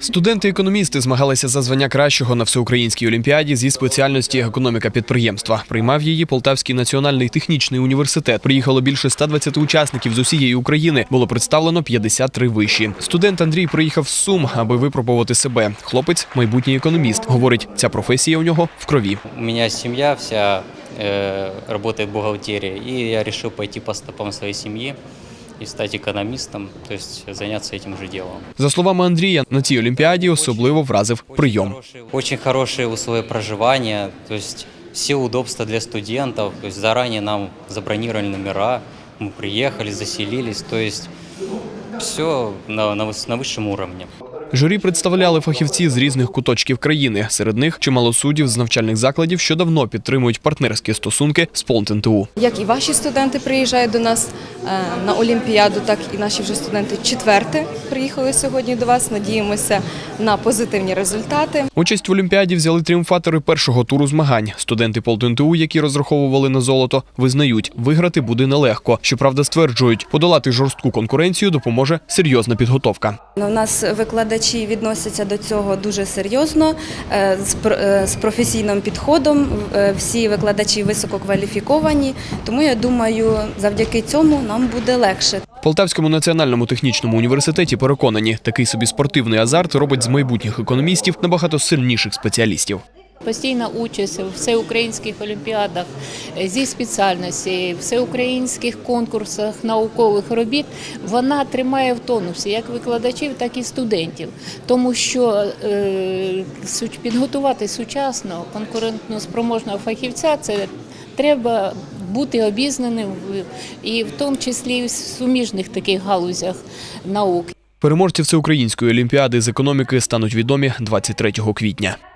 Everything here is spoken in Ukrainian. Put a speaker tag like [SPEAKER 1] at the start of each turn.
[SPEAKER 1] Студенти-економісти змагалися за звання кращого на всеукраїнській олімпіаді зі спеціальності економіка підприємства. Приймав її Полтавський національний технічний університет. Приїхало більше 120 учасників з усієї України. Було представлено 53 виші. Студент Андрій приїхав з Сум, аби випробувати себе. Хлопець – майбутній економіст. Говорить, ця професія у нього в крові.
[SPEAKER 2] У мене сім'я вся працює в бухгалтерії, і я вирішив піти по стопам своєї сім'ї і стати економістом, тобто зайнятися цим же ділом.
[SPEAKER 1] За словами Андрія, на цій олімпіаді особливо вразив прийом.
[SPEAKER 2] Дуже хороші умови проживання, тобто всі удобства для студентів, тобто зарані нам забронювали номера, ми приїхали, заселились, тобто все на вищому рівні.
[SPEAKER 1] Журі представляли фахівці з різних куточків країни. Серед них чимало суддів з навчальних закладів, що давно підтримують партнерські стосунки з ПолтНТУ.
[SPEAKER 3] Як і ваші студенти приїжджають до нас на Олімпіаду, так і наші вже студенти четверте приїхали сьогодні до вас. Надіємося на позитивні результати.
[SPEAKER 1] Участь в Олімпіаді взяли тріумфатори першого туру змагань. Студенти ПолтНТУ, які розраховували на золото, визнають, виграти буде нелегко. Щоправда, стверджують, подолати жорстку конкуренцію допоможе серйозна підготовка.
[SPEAKER 3] У нас викладачі відносяться до цього дуже серйозно, з професійним підходом. Всі викладачі висококваліфіковані, тому я думаю, завдяки цьому нам буде легше.
[SPEAKER 1] В Полтавському національному технічному університеті переконані, такий собі спортивний азарт робить з майбутніх економістів набагато сильніших спеціалістів.
[SPEAKER 4] Постійна участь у всеукраїнських олімпіадах зі спеціальності, всеукраїнських конкурсах наукових робіт, вона тримає в тонусі як викладачів, так і студентів. Тому що підготувати сучасного, конкурентно спроможного фахівця – це треба бути обізнаним і в тому числі в суміжних таких галузях наук.
[SPEAKER 1] Переможці всеукраїнської олімпіади з економіки стануть відомі 23 квітня.